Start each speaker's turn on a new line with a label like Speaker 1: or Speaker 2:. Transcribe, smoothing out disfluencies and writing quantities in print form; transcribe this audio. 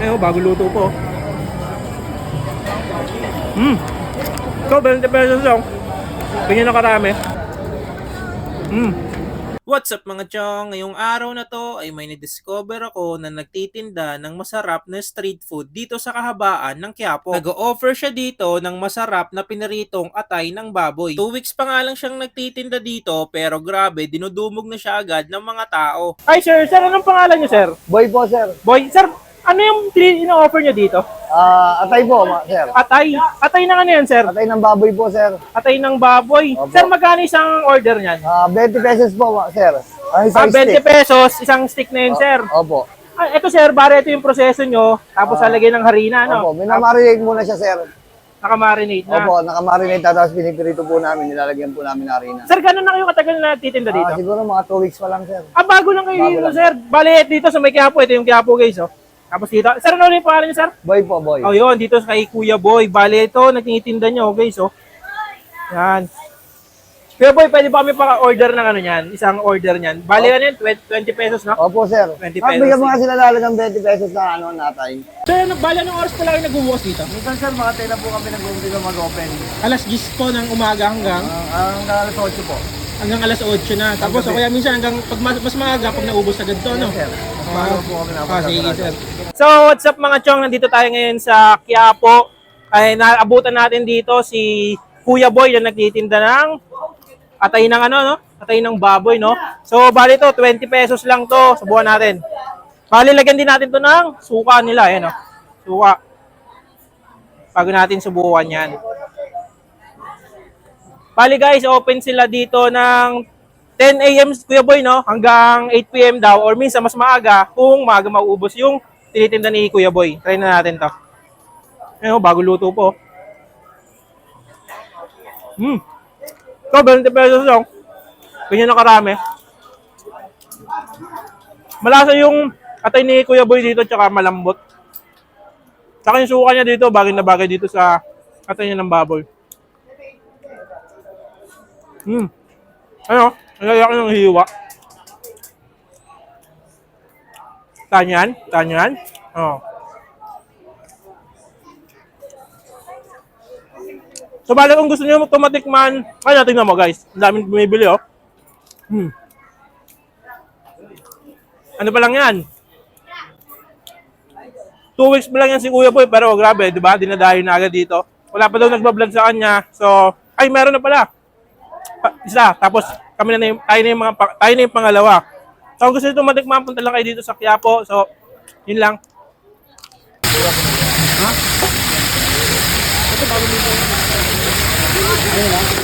Speaker 1: Ayun, bago luto po. So, 20 pesos lang. Bigyan na karami. What's up mga chong? Ngayong araw na to ay may na-discover ako na nagtitinda ng masarap na street food dito sa kahabaan ng Quiapo. Nag-o-offer siya dito ng masarap na piniritong atay ng baboy. 2 weeks pa nga lang siyang nagtitinda dito pero grabe, dinudumog na siya agad ng mga tao. Ay sir, anong pangalan niyo sir?
Speaker 2: Boy po, sir.
Speaker 1: Boy, sir, ano yung ino-offer niyo dito?
Speaker 2: Atay po, sir.
Speaker 1: Atay? Atay ng ano yan sir?
Speaker 2: Atay ng baboy po, sir.
Speaker 1: Atay ng baboy.
Speaker 2: Opo.
Speaker 1: Sir, magkano isang order niyan?
Speaker 2: 20 pesos po, sir. Isang
Speaker 1: 20
Speaker 2: stick.
Speaker 1: pesos, isang stick na yun, sir.
Speaker 2: Opo.
Speaker 1: Ito, sir, bari ito yung proseso nyo. Tapos lalagyan ng harina, no?
Speaker 2: Opo, minamarinate muna siya, sir.
Speaker 1: Nakamarinate na.
Speaker 2: Opo, nakamarinate tapos pinipirito po namin, nilalagyan po namin ng harina.
Speaker 1: Sir, gano'n na kayo katagal na nagtitinda dito?
Speaker 2: Siguro mga 2 weeks pa lang, sir.
Speaker 1: Bago lang kayo
Speaker 2: Bago
Speaker 1: dito,
Speaker 2: lang.
Speaker 1: sir. Bali, dito sa may Quiapo. Ito yung Quiapo, guys, oh. Tapos dito. Sir, ano yung pangalan niyo, sir?
Speaker 2: Boy po, boy.
Speaker 1: Oh, yun. Dito kay Kuya Boy. Bali, ito, nagtitinda nyo, guys, oh. Yan. Kuya Boy, pwede ba kami pa-order ng ano yan? Isang order niyan. Bali, ano yan? 20 pesos, no?
Speaker 2: Opo, sir.
Speaker 1: 20 pesos.
Speaker 2: Bigyan mo nga sila lalagang 20 pesos na natay.
Speaker 1: Sir, bali, anong oras pa lang kayo nagbubukas dito?
Speaker 2: Minsan, sir, mga tela po kami nag-umpisa mag-open.
Speaker 1: Alas 10 po ng umaga hanggang
Speaker 2: Hanggang alas 8 po.
Speaker 1: hanggang alas 8 na. Tapos o kaya minsan hanggang pag mas maaga pag naubos agad to, no?
Speaker 2: Sir, mas maaga po kami
Speaker 1: Sige, sir. So, what's up mga chong? Nandito tayo ngayon sa Quiapo. Ay naabutan natin dito si Kuya Boy na nagtitinda ng atay ng ano, no? Atay ng baboy, no? So, bali to 20 pesos lang to. Subukan natin. Bali lagyan din natin to ng suka nila, ayan, no? Suka. Bago natin subukan 'yan. Bali guys, open sila dito ng 10 AM Kuya Boy, no? Hanggang 8 PM daw or minsan mas maaga kung maaga mauubos yung tinitinda ni Kuya Boy. Try na natin 'to. Ayun, bago luto po. So, 20 pesos lang. Ganyan na karami. Malasa yung atay ni Kuya Boy dito tsaka malambot. Tsaka yung suka niya dito, bagay na bagay dito sa atay niya ng baboy. Ano? Ang lalaki ng hiwa. Tanyan? Tanyan? Oh. So, bali kung gusto niyo tumatikman, kaya tingnan mo guys. Ang daming bumibili, oh. Ano pa lang yan? 2 weeks pa lang yan si Kuya Boy, pero grabe, di ba? Dinadayo na agad dito. Wala pa daw nagbablog sa kanya. So, ay, meron na pala. Isa, tapos kami na yung, tayo na yung pangalawa. So, kung gusto nyo tumatikman, punta lang kayo dito sa Quiapo. So, yun lang. Ha? Ito bago nito.